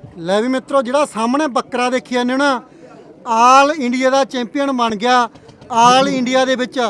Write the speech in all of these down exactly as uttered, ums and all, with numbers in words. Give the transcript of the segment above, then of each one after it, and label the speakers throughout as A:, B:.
A: ਲੈ ਵੀ ਮਿੱਤਰੋ ਜਿਹੜਾ ਸਾਹਮਣੇ ਬੱਕਰਾ ਦੇਖੀ ਜਾਂਦੇ ਹੋ ਨਾ, ਆਲ ਇੰਡੀਆ ਦਾ ਚੈਂਪੀਅਨ ਬਣ ਗਿਆ। ਆਲ ਇੰਡੀਆ ਦੇ ਵਿੱਚ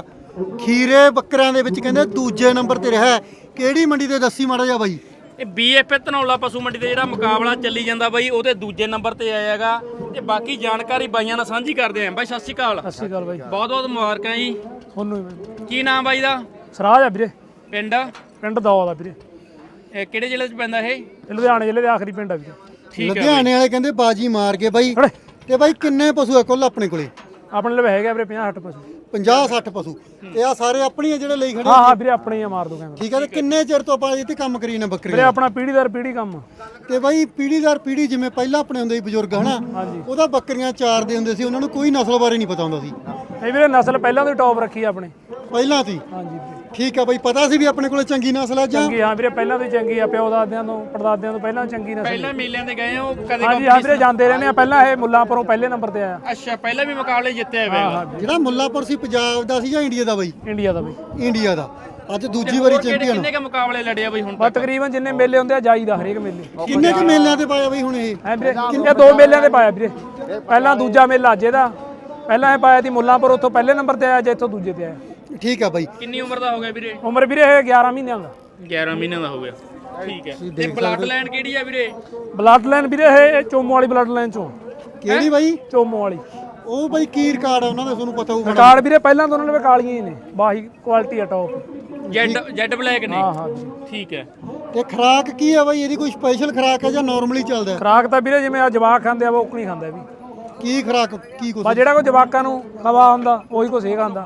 A: ਖੀਰੇ ਬੱਕਰਿਆਂ ਦੇ ਵਿੱਚ ਕਹਿੰਦੇ ਦੂਜੇ ਨੰਬਰ ਤੇ ਰਿਹਾ। ਕਿਹੜੀ ਮੰਡੀ ਤੇ ਦੱਸੀ ਮਾੜਾ ਜਿਹਾ ਬਾਈ।
B: ਇਹ ਬੀਐਫ ਧਨੌਲਾ ਪਸ਼ੂ ਮੰਡੀ ਤੇ ਜਿਹੜਾ ਮੁਕਾਬਲਾ ਚੱਲੀ ਜਾਂਦਾ ਬਾਈ ਉਹਦੇ ਦੂਜੇ ਨੰਬਰ ਤੇ ਆਇਆ ਹੈਗਾ। ਤੇ ਬਾਕੀ ਜਾਣਕਾਰੀ ਬਾਈਆਂ ਨਾਲ ਸਾਂਝੀ ਕਰਦੇ ਆਂ। ਬਾਈ ਸਤਿ ਸ਼੍ਰੀ ਅਕਾਲ।
C: ਸਤਿ ਸ਼੍ਰੀ ਅਕਾਲ ਬਾਈ।
B: ਬਹੁਤ ਬਹੁਤ ਮੁਬਾਰਕਾਂ ਜੀ
C: ਤੁਹਾਨੂੰ ਵੀ।
B: ਕੀ ਨਾਮ ਬਾਈ ਦਾ?
C: ਸਰਾਜ ਆ ਵੀਰੇ,
B: ਪਿੰਡ
C: ਪਿੰਡ ਦੌਦ ਆ ਵੀਰੇ।
B: ਇਹ ਕਿਹੜੇ ਜ਼ਿਲ੍ਹੇ 'ਚ ਪੈਂਦਾ ਇਹ?
C: ਇਹ ਲੁਧਿਆਣੇ ਜ਼ਿਲ੍ਹੇ ਦੇ ਆਖਰੀ ਪਿੰਡ ਆ ਵੀਰੇ।
B: ਠੀਕ ਹੈ
A: ਲੁਧਿਆਣੇ ਵਾਲੇ ਕਹਿੰਦੇ ਬਾਜੀ ਮਾਰ ਗਏ ਬਾਈ। ਤੇ ਬਾਈ ਕਿੰਨੇ ਪਸ਼ੂ ਆ ਕੁੱਲ ਆਪਣੇ ਕੋਲੇ?
C: ਆਪਣੇ ਲਈ ਹੈਗਾ ਵੀਰੇ ਪੰਜਾਹ ਸੱਠ ਪਸ਼ੂ।
A: ਪੰਜਾਹ ਸੱਠ ਪਸ਼ੂ। ਤੇ ਆ ਸਾਰੇ ਆਪਣੇ ਆ ਜਿਹੜੇ ਲਈ ਖੜੇ?
C: ਹਾਂ ਹਾਂ ਵੀਰੇ ਆਪਣੇ ਹੀ ਆ, ਮਾਰ ਦੋ ਕੈਮਰਾ।
A: ਠੀਕ ਹੈ। ਤੇ ਕਿੰਨੇ ਚਿਰ ਤੋਂ ਆਪਾਂ ਇੱਥੇ ਕੰਮ ਕਰੀ ਨੇ
C: ਵੀਰੇ
A: ਬੱਕਰੀਆਂ?
C: ਆਪਣਾ ਪੀੜ੍ਹੀ ਦਰ ਪੀੜ੍ਹੀ ਕੰਮ ਆ।
A: ਤੇ ਬਾਈ ਪੀੜ੍ਹੀ ਦਰ ਪੀੜ੍ਹੀ ਜਿਵੇਂ ਪਹਿਲਾਂ ਆਪਣੇ ਹੁੰਦੇ ਸੀ ਬਜ਼ੁਰਗ ਹਨਾ,
C: ਹਾਂਜੀ।
A: ਉਹਦਾ ਬੱਕਰੀਆਂ ਚਾਰਦੇ ਹੁੰਦੇ ਸੀ, ਉਹਨਾਂ ਨੂੰ ਕੋਈ ਨਸਲ ਬਾਰੇ ਨਹੀਂ ਪਤਾ ਹੁੰਦਾ ਸੀ।
C: ਇਹ ਵੀਰੇ ਨਸਲ ਪਹਿਲਾਂ ਤੋਂ ਟੌਪ ਰੱਖੀ ਆ ਆਪਣੇ।
A: ਪਹਿਲਾਂ ਸੀ?
C: ਹਾਂਜੀ ਵੀਰੇ।
A: ਠੀਕ ਆ ਬਾਈ, ਪਤਾ ਸੀ ਵੀ ਆਪਣੇ ਕੋਲੇ ਚੰਗੀ ਨਸਲ ਆ ਜਾਂ?
C: ਚੰਗੀ ਹਾਂ ਵੀਰੇ, ਪਹਿਲਾਂ ਤੋਂ ਹੀ ਚੰਗੀ ਆ। ਪਿਓ ਦਾਦਿਆਂ ਤੋਂ ਪੜਦਾਦਿਆਂ ਤੋਂ ਪਹਿਲਾਂ ਚੰਗੀ ਨਸਲ।
B: ਪਹਿਲਾਂ ਮੇਲਿਆਂ ਤੇ ਗਏ ਹੋ ਕਦੇ?
C: ਹਾਂਜੀ ਹਾਂ ਵੀਰੇ, ਜਾਂਦੇ ਰਹਿੰਦੇ ਆ। ਪਹਿਲਾਂ ਇਹ ਮੁੱਲਾਂਪੁਰੋਂ ਪਹਿਲੇ ਨੰਬਰ ਤੇ ਆਇਆ।
B: ਅੱਛਾ, ਪਹਿਲਾਂ ਵੀ ਮੁਕਾਬਲੇ ਜਿੱਤਿਆ ਹੋਇਆ।
A: ਜਿਹੜਾ ਮੁੱਲਾਂਪੁਰ ਸੀ ਪੰਜਾਬ ਦਾ ਸੀ ਜਾਂ ਇੰਡੀਆ ਦਾ ਬਾਈ?
C: ਇੰਡੀਆ ਦਾ ਬਾਈ।
A: ਇੰਡੀਆ ਦਾ। ਅੱਜ ਦੂਜੀ ਵਾਰੀ ਚੈਂਪੀਅਨ।
B: ਕਿੰਨੇ ਕ ਮੁਕਾਬਲੇ ਲੜਿਆ ਬਾਈ ਹੁਣ
C: ਬਸ ਤਕਰੀਬਨ ਜਿੰਨੇ ਮੇਲੇ ਹੁੰਦੇ ਆ ਜਾਈਦਾ ਹਰੇਕ ਮੇਲੇ।
A: ਕਿੰਨੇ ਕੁ ਮੇਲਿਆਂ ਤੇ ਪਾਇਆ ਬਾਈ ਹੁਣ ਇਹ?
C: ਹੈ ਵੀਰੇ, ਇਹ ਦੋ ਮੇਲਿਆਂ ਤੇ ਪਾਇਆ ਵੀਰੇ। ਪਹਿਲਾਂ ਦੂਜਾ ਮੇਲਾ ਅੱਜ ਇਹਦਾ। ਪਹਿਲਾਂ ਇਹ ਪਾਇਆ ਸੀ ਮੁੱਲਾਂਪੁਰ, ਉੱਥੋਂ ਪਹਿਲੇ ਨੰਬਰ ਤੇ ਆਇਆ, ਜੇ ਇੱਥੋਂ ਦੂਜੇ ਤੇ ਆਇਆ।
A: ਠੀਕ ਆ ਬਾਈ।
B: ਕਿੰਨੀ ਉਮਰ ਦਾ ਹੋ ਗਿਆ ਵੀਰੇ?
C: ਉਮਰ ਵੀਰੇ ਇਹ ਗਿਆਰਾਂ ਮਹੀਨਿਆਂ ਦਾ।
B: ਗਿਆਰਾਂ ਮਹੀਨਿਆਂ ਦਾ ਹੋ ਗਿਆ। ਠੀਕ ਹੈ। ਤੇ ਬਲੱਡ ਲਾਈਨ ਕਿਹੜੀ ਆ ਵੀਰੇ?
C: ਬਲੱਡ ਲਾਈਨ ਵੀਰੇ ਇਹ ਚੋਮੋ ਵਾਲੀ ਬਲੱਡ ਲਾਈਨ ਚੋਂ।
A: ਕਿਹੜੀ ਬਾਈ?
C: ਚੋਮੋ ਵਾਲੀ।
A: ਉਹ ਬਾਈ ਕੀ ਰਿਕਾਰਡ ਆ ਉਹਨਾਂ ਦਾ ਤੁਹਾਨੂੰ ਪਤਾ ਹੋਊਗਾ?
C: ਰਿਕਾਰਡ ਵੀਰੇ ਪਹਿਲਾਂ ਤੋਂ ਉਹਨਾਂ ਨੇ ਕਾਲੀਆਂ ਹੀ ਨੇ, ਬਾਹੀ ਕੁਆਲਿਟੀ ਆ ਟੌਪ।
B: ਜੈਡ ਜੈਡ ਬਲੈਕ ਨੇ?
C: ਹਾਂ ਹਾਂ ਜੀ।
B: ਠੀਕ ਹੈ।
A: ਤੇ ਖਰਾਕ ਕੀ ਆ ਬਾਈ ਇਹਦੀ? ਕੋਈ ਸਪੈਸ਼ਲ ਖਰਾਕ ਹੈ ਜਾਂ ਨਾਰਮਲੀ ਚੱਲਦਾ?
C: ਖਰਾਕ ਤਾਂ ਵੀਰੇ ਜਿਵੇਂ ਆ ਜਵਾਕ ਖਾਂਦੇ ਆ ਉਹ ਨਹੀਂ ਖਾਂਦਾ ਵੀ।
A: ਕੀ ਖਰਾਕ ਕੀ ਕੁਛ?
C: ਬਸ ਜਿਹੜਾ ਕੋਈ ਜਵਾਕਾਂ ਨੂੰ ਖਵਾ ਹੁੰਦਾ ਉਹੀ ਕੁਛ ਇਹ ਖਾਂਦਾ।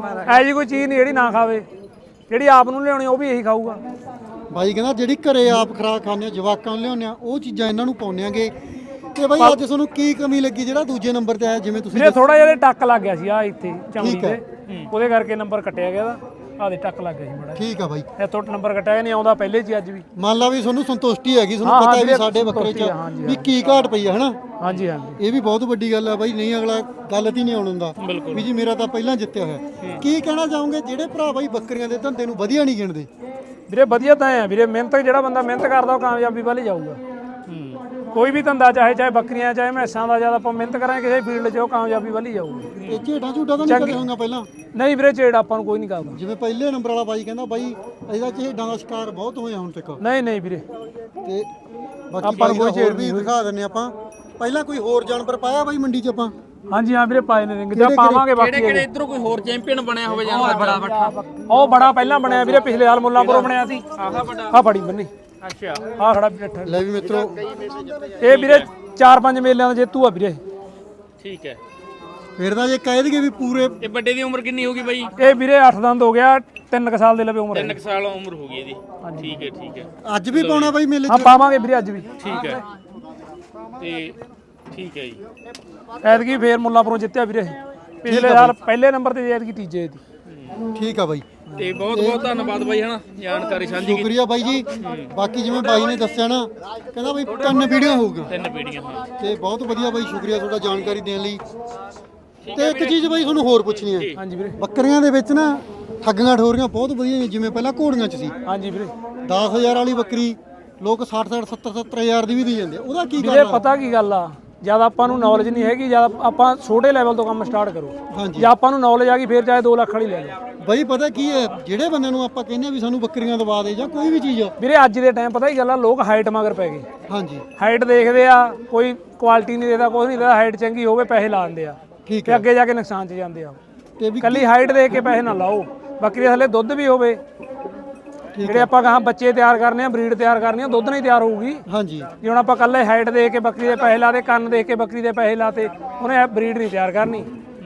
C: ਐ ਜੀ ਕੋਈ ਚੀਜ਼ ਨਹੀਂ ਜਿਹੜੀ ਨਾ ਖਾਵੇ। ਜਿਹੜੀ ਆਪ ਨੂੰ ਲਿਆਉਣੀ ਉਹ ਵੀ ਇਹੀ ਖਾਊਗਾ।
A: ਬਾਈ ਕਹਿੰਦਾ ਜਿਹੜੀ ਘਰੇ ਆਪ ਖਰਾਕ ਖਾਂਦੇ ਆ, ਜਵਾਕਾਂ ਨੂੰ ਲਿਆਉਂਦੇ ਆ, ਉਹ ਚੀਜ਼ਾਂ ਇਹਨਾਂ ਨੂੰ ਪਾਉਂਦੇ ਆਂਗੇ। ਤੇ ਬਾਈ ਅੱਜ ਤੁਹਾਨੂੰ ਕੀ ਕਮੀ ਲੱਗੀ ਜਿਹੜਾ ਦੂਜੇ ਨੰਬਰ ਤੇ ਆਇਆ? ਜਿਵੇਂ ਤੁਸੀਂ
C: ਵੀਰੇ ਥੋੜਾ ਜਿਹਾ ਟੱਕ ਲੱਗ ਗਿਆ ਸੀ ਆ ਇੱਥੇ ਚਮੜੀ ਤੇ, ਉਹਦੇ ਕਰਕੇ ਨੰਬਰ ਕੱਟਿਆ ਗਿਆ ਇਹਦਾ। ਆਹ ਦੇ ਟੱਕ ਲੱਗ ਗਿਆ ਸੀ ਬੜਾ।
A: ਠੀਕ ਆ ਬਾਈ।
C: ਇਹ ਤੋਂ ਨੰਬਰ ਕੱਟਿਆ ਨਹੀਂ ਆਉਂਦਾ ਪਹਿਲੇ ਚ ਅੱਜ ਵੀ।
A: ਮੰਨ ਲਾ ਵੀ ਤੁਹਾਨੂੰ ਸੰਤੁਸ਼ਟੀ ਹੈਗੀ, ਤੁਹਾਨੂੰ
C: ਹਾਂ,
A: ਪਤਾ
C: ਹਾਂ
A: ਹੈ ਵੀ
C: ਵੀਰੇ,
A: ਸਾਡੇ ਬੱਕਰੇ
C: ਸੰਤੁਸ਼ਟੀ ਆ,
A: ਚ
C: ਹਾਂਜੀ,
A: ਵੀ ਕੀ ਘਾਟ ਪਈ ਆ ਹਨਾ।
C: ਹਾਂਜੀ ਹਾਂਜੀ।
A: ਇਹ ਵੀ ਬਹੁਤ ਵੱਡੀ ਗੱਲ ਆ ਬਾਈ। ਨਹੀਂ ਅਗਲਾ ਗਲਤ ਹੀ ਨਹੀਂ ਆਉਣ ਦਿੰਦਾ ਵੀ ਜੀ ਮੇਰਾ ਤਾਂ ਪਹਿਲਾਂ ਜਿੱਤਿਆ ਹੋਇਆ। ਕੀ ਕਹਿਣਾ ਚਾਹੋਗੇ ਜਿਹੜੇ ਭਰਾ ਬਾਈ ਬੱਕਰੀਆਂ ਦੇ ਧੰਦੇ ਨੂੰ ਵਧੀਆ ਨਹੀਂ ਗਿਣਦੇ?
C: ਵੀਰੇ ਵਧੀਆ ਤਾਂ ਹੈ ਵੀਰੇ, ਮਿਹਨਤ ਜਿਹੜਾ ਬੰਦਾ ਮਿਹਨਤ ਕਰਦਾ ਉਹ ਕਾਮਯਾਬੀ ਵੱਲ ਹੀ ਜਾਊਗਾ। ਕੋਈ ਵੀ ਧੰਦਾ ਚਾਹੇ ਚਾਹੇ ਬੱਕਰੀਆਂ ਚਾਹੇ ਮੈਸਾਂ ਦਾ, ਜਦ ਆਪਾਂ ਮਿਹਨਤ ਕਰਾਂਗੇ ਕਿਸੇ ਫੀਲਡ 'ਚ ਉਹ ਕਾਮਯਾਬੀ ਵੱਲ ਹੀ ਜਾਊਗਾ।
A: ਇਹ ਝੇਡਾਂ ਝੂਡਾਂ ਤਾਂ ਨਹੀਂ ਕਰੇ ਹੋਊਗਾ ਪਹਿਲਾਂ?
C: ਨਹੀਂ ਵੀਰੇ, ਝੇੜ ਆਪਾਂ ਨੂੰ ਕੋਈ ਨਹੀਂ ਕਰਦਾ।
A: ਜਿਵੇਂ ਪਹਿਲੇ ਨੰਬਰ ਵਾਲਾ ਬਾਈ ਕਹਿੰਦਾ ਬਾਈ ਇਹਦਾ ਝੇਡਾਂ ਦਾ ਸ਼ਿਕਾਰ ਬਹੁਤ ਹੋਇਆ ਹੁਣ ਤੱਕ।
C: ਨਹੀਂ ਨਹੀਂ ਵੀਰੇ,
A: ਤੇ ਬਾਕੀ ਆਪਾਂ ਕੋਈ ਝੇੜ ਵੀ ਦਿਖਾ ਦਿੰਨੇ ਆਪਾਂ। ਪਹਿਲਾਂ ਕੋਈ ਹੋਰ ਜਾਨਵਰ ਪਾਇਆ ਬਾਈ ਮੰਡੀ 'ਚ ਆਪਾਂ?
C: ਹਾਂਜੀ ਹਾਂ ਵੀਰੇ, ਪਾਏ ਨੇ ਰਿੰਗ ਜਾਂ ਪਾਵਾਂਗੇ ਬਾਕੀ।
B: ਕਿਹੜੇ ਕਿਹੜੇ ਇਧਰੋਂ ਕੋਈ ਹੋਰ ਚੈਂਪੀਅਨ ਬਣਿਆ ਹੋਵੇ ਜਾਂ ਬੜਾ ਬੱਠਾ?
C: ਉਹ ਬੜਾ ਪਹਿਲਾਂ ਬਣਿਆ ਵੀਰੇ, ਪਿਛਲੇ ਸਾਲ ਮੁੱਲਾਂਪੁਰੋਂ ਬਣਿਆ ਸੀ।
B: ਆਹਾ ਵੱਡਾ?
C: ਆਹ ਫੜੀ ਬੰਨੀ।
B: ਅੱਛਾ।
C: ਆਹ ਖੜਾ ਵੀਰੇ।
A: ਲੈ ਵੀ ਮਿੱਤਰੋ,
C: ਇਹ ਵੀਰੇ ਚਾਰ ਪੰਜ ਮੇਲਿਆਂ ਦਾ ਜੇਤੂ ਆ ਵੀਰੇ।
B: ਠੀਕ ਹੈ।
A: ਫਿਰ ਤਾਂ ਜੇ ਕਹਿ ਦਈਏ ਵੀ ਪੂਰੇ।
B: ਇਹ ਵੱਡੇ ਦੀ ਉਮਰ ਕਿੰਨੀ ਹੋਗੀ ਬਾਈ?
C: ਇਹ ਵੀਰੇ ਅੱਠ ਦੰਦ ਹੋ ਗਿਆ, ਤਿੰਨ ਕ ਸਾਲ ਦੇ ਲਵੇ ਉਮਰ ਹੈ।
B: ਤਿੰਨ ਕੁ ਸਾਲ ਉਮਰ ਹੋ ਗਈ ਇਹਦੀ। ਠੀਕ ਹੈ ਠੀਕ ਹੈ।
A: ਅੱਜ ਵੀ ਪਾਉਣਾ ਬਾਈ ਮੇਲੇ 'ਚ?
C: ਹਾਂ ਪਾਵਾਂਗੇ ਵੀਰੇ ਅੱਜ ਵੀ।
B: ਠੀਕ ਹੈ। ਤੇ ਠੀਕ ਹੈ ਜੀ।
C: ਐਤਕੀ ਫੇਰ ਮੁੱਲਾਂਪੁਰੋਂ ਜਿੱਤਿਆ ਵੀਰੇ। ਪਿਛਲੇ ਸਾਲ ਪਹਿਲੇ ਨੰਬਰ ਤੇ, ਐਤਕੀ ਤੀਜੇ ਦੀ।
A: ਠੀਕ ਆ ਬਾਈ।
B: ਤੇ ਬਹੁਤ ਬਹੁਤ ਧੰਨਵਾਦ ਬਾਈ ਹਨਾ, ਜਾਣਕਾਰੀ ਸਾਂਝੀ ਕੀਤੀ।
A: ਸ਼ੁਕਰੀਆ ਬਾਈ ਜੀ। ਬਾਕੀ ਜਿਵੇਂ ਬਾਈ ਨੇ ਦੱਸਿਆ ਨਾ, ਕਹਿੰਦਾ ਬਾਈ ਤਿੰਨ ਵੀਡੀਓ ਹੋਊਗਾ।
B: ਤਿੰਨ ਪੀੜੀਆਂ ਹਾਂ।
A: ਤੇ ਬਹੁਤ ਵਧੀਆ ਬਾਈ, ਸ਼ੁਕਰੀਆ ਤੁਹਾਡਾ ਜਾਣਕਾਰੀ ਦੇਣ ਲਈ। ਤੇ ਇੱਕ ਚੀਜ਼ ਬਾਈ ਤੁਹਾਨੂੰ ਹੋਰ ਪੁੱਛਣੀ ਹੈ।
C: ਹਾਂਜੀ ਵੀਰੇ।
A: ਬੱਕਰੀਆਂ ਦੇ ਵਿੱਚ ਨਾ ਠੱਗੀਆਂ ਠੋਰੀਆਂ ਬਹੁਤ ਵਧੀਆ, ਜਿਵੇਂ ਪਹਿਲਾਂ ਘੋੜੀਆਂ 'ਚ ਸੀ।
C: ਹਾਂਜੀ ਵੀਰੇ।
A: ਦਸ ਹਜ਼ਾਰ ਵਾਲੀ ਬੱਕਰੀ ਲੋਕ ਸੱਠ ਸੱਠ ਸੱਤਰ ਸੱਤਰ ਹਜ਼ਾਰ ਦੀ ਵੀ ਦੇ ਜਾਂਦੇ, ਉਹਦਾ ਕੀ
C: ਵੀਰੇ
A: ਗੱਲ ਆ?
C: ਪਤਾ ਕੀ ਗੱਲ ਆ, ਜਦ ਆਪਾਂ ਨੂੰ ਨੌਲੇਜ ਨਹੀਂ ਹੈਗੀ, ਜਦ ਆਪਾਂ ਛੋਟੇ ਲੈਵਲ ਤੋਂ ਕੰਮ ਸਟਾਰਟ ਕਰੋ।
A: ਹਾਂਜੀ।
C: ਜੇ ਆਪਾਂ ਨੂੰ ਨੌਲੇਜ ਆ ਗਈ ਫੇਰ ਚਾਹੇ ਦੋ ਲੱਖ ਵਾਲੀ ਲੈ ਲਓ।
A: ਬਾਈ ਪਤਾ ਕੀ ਹੈ, ਜਿਹੜੇ ਬੰਦੇ ਨੂੰ ਆਪਾਂ ਕਹਿੰਦੇ ਆ ਵੀ ਸਾਨੂੰ ਬੱਕਰੀਆਂ ਦਵਾ ਦੇ ਜਾਂ ਕੋਈ ਵੀ ਚੀਜ਼ ਆ।
C: ਵੀਰੇ ਅੱਜ ਦੇ ਟਾਈਮ ਪਤਾ ਕੀ ਗੱਲ ਆ, ਲੋਕ ਹਾਈਟ ਮਗਰ ਪੈ ਗਏ।
A: ਹਾਂਜੀ।
C: ਹਾਈਟ ਦੇਖਦੇ ਆ, ਕੋਈ ਕੁਆਲਿਟੀ ਨਹੀਂ ਦੇਦਾ, ਕੁਝ ਨਹੀਂ ਦੇਦਾ। ਹਾਈਟ ਚੰਗੀ ਹੋਵੇ ਪੈਸੇ ਲਾ ਦਿੰਦੇ ਆ,
A: ਠੀਕ
C: ਤੇ ਅੱਗੇ ਜਾ ਕੇ ਨੁਕਸਾਨ 'ਚ ਜਾਂਦੇ ਆ।
A: ਤੇ ਵੀ
C: ਕੱਲੀ ਹਾਈਟ ਦੇਖ ਕੇ ਪੈਸੇ ਨਾ ਲਾਓ। ਬੱਕਰੀ ਦੇ ਥੱਲੇ ਦੁੱਧ ਵੀ ਹੋਵੇ। ਜਿਹੜੇ ਆਪਾਂ ਕਹਾਂ ਬੱਚੇ ਤਿਆਰ ਕਰਨੇ ਆ, ਬਰੀਡ ਤਿਆਰ ਕਰਨੀ ਆ, ਦੁੱਧ ਨਹੀਂ ਤਿਆਰ ਹੋਊਗੀ।
A: ਹਾਂਜੀ।
C: ਜੇ ਹੁਣ ਆਪਾਂ ਕੱਲੇ ਹਾਈਟ ਦੇਖ ਕੇ ਬੱਕਰੀ ਦੇ ਪੈਸੇ ਲਾਤੇ, ਕੰਨ ਦੇਖ ਕੇ ਬੱਕਰੀ ਦੇ ਪੈਸੇ ਲਾਤੇ, ਉਹਨੇ ਬਰੀਡ ਨਹੀਂ ਤਿਆਰ ਕਰਨੀ।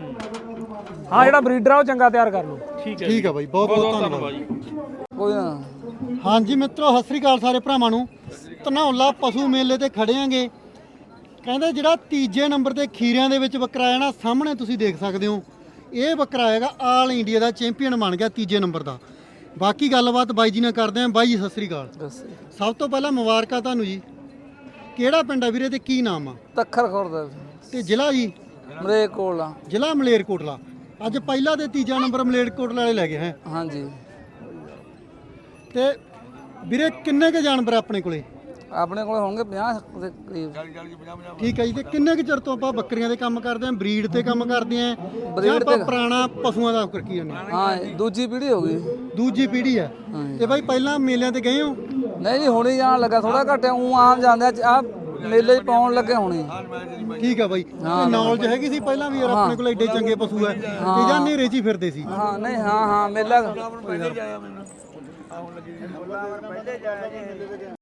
C: ਹਾਂ, ਜਿਹੜਾ ਬਰੀਡਰ ਆ ਉਹ ਚੰਗਾ ਤਿਆਰ ਕਰ ਲਓ।
B: ਠੀਕ ਹੈ।
A: ਠੀਕ ਆ ਬਾਈ, ਬਹੁਤ ਬਹੁਤ ਧੰਨਵਾਦ
B: ਜੀ।
C: ਕੋਈ ਨਾ।
A: ਹਾਂਜੀ ਮਿੱਤਰੋ, ਸਤਿ ਸ੍ਰੀ ਅਕਾਲ ਸਾਰੇ ਭਰਾਵਾਂ ਨੂੰ। ਧਨੌਲਾ ਪਸ਼ੂ ਮੇਲੇ ਤੇ ਖੜੇ ਆਂਗੇ। ਕਹਿੰਦੇ ਜਿਹੜਾ ਤੀਜੇ ਨੰਬਰ ਤੇ ਖੀਰਿਆਂ ਦੇ ਵਿੱਚ ਬੱਕਰਾ ਆਇਆ ਨਾ, ਸਾਹਮਣੇ ਤੁਸੀਂ ਦੇਖ ਸਕਦੇ ਹੋ। ਇਹ ਬੱਕਰਾ ਹੈਗਾ ਆਲ ਇੰਡੀਆ ਦਾ ਚੈਂਪੀਅਨ ਬਣ ਗਿਆ, ਤੀਜੇ ਨੰਬਰ ਦਾ। ਬਾਕੀ ਗੱਲਬਾਤ ਬਾਈ ਜੀ ਨਾਲ ਕਰਦੇ ਆਂ। ਬਾਈ ਜੀ ਸਤਿ ਸ੍ਰੀ ਅਕਾਲ। ਸਭ ਤੋਂ ਪਹਿਲਾਂ ਮੁਬਾਰਕਾਂ ਤੁਹਾਨੂੰ ਜੀ। ਕਿਹੜਾ ਪਿੰਡ ਆ ਵੀਰੇ ਤੇ ਕੀ ਨਾਮ ਆ?
D: ਤੱਖਰ ਖੁਰਦ
A: ਤੇ ਜ਼ਿਲ੍ਹਾ ਜੀ?
D: ਮਲੇਰਕੋਟਲਾ।
A: ਜ਼ਿਲ੍ਹਾ ਮਲੇਰਕੋਟਲਾ। ਅੱਜ ਪਹਿਲਾ ਤੇ ਤੀਜਾ ਨੰਬਰ ਮਲੇਰਕੋਟਲਾ ਵਾਲੇ ਲੈ ਗਏ ਹੈ?
D: ਹਾਂਜੀ।
A: ਤੇ ਵੀਰੇ ਕਿੰਨੇ ਕੇ ਜਾਨਵਰ ਆਪਣੇ ਕੋਲੇ?
D: ਆਪਣੇ ਕੋਲ ਹੋਣਗੇ ਪੰਜਾਹ ਦੇ ਕਰੀਬ।
A: ਠੀਕ ਹੈ ਜੀ। ਤੇ ਕਿੰਨੇ ਕੁ ਚਿਰ ਤੋਂ ਆਪਾਂ ਬੱਕਰੀਆਂ ਦੇ ਕੰਮ ਕਰਦੇ ਆਂ, ਬਰੀਡ ਤੇ ਕੰਮ ਕਰਦੇ ਆਂ ਜਾਂ ਆਪਾਂ ਪੁਰਾਣਾ ਪਸ਼ੂਆਂ ਦਾ ਕਰਕੇ ਜਾਂਦੇ ਹਾਂ?
D: ਹਾਂ ਦੂਜੀ ਪੀੜ੍ਹੀ ਹੋ ਗਈ।
A: ਦੂਜੀ ਪੀੜ੍ਹੀ ਆ। ਤੇ ਬਾਈ ਪਹਿਲਾਂ ਮੇਲਿਆਂ ਤੇ ਗਏ ਹੋ?
D: ਨਹੀਂ ਜੀ ਹੁਣੀ ਜਾਣ ਲੱਗਾ, ਥੋੜਾ ਘੱਟ ਉਹ ਆਮ ਜਾਂਦੇ ਆ ਮੇਲੇ 'ਚ ਪਾਉਣ ਲੱਗੇ ਹੁਣੀ।
A: ਠੀਕ ਆ ਬਾਈ। ਤੇ ਨੌਲੇਜ ਹੈਗੀ ਸੀ ਪਹਿਲਾਂ ਵੀ ਯਾਰ ਆਪਣੇ ਕੋਲ ਐਡੇ ਚੰਗੇ ਪਸ਼ੂ ਆ ਤੇ ਜਾਂ ਨੇਰੇ 'ਚ ਹੀ ਫਿਰਦੇ ਸੀ?
D: ਹਾਂ ਨਹੀਂ ਹਾਂ ਹਾਂ ਮੇਲਾ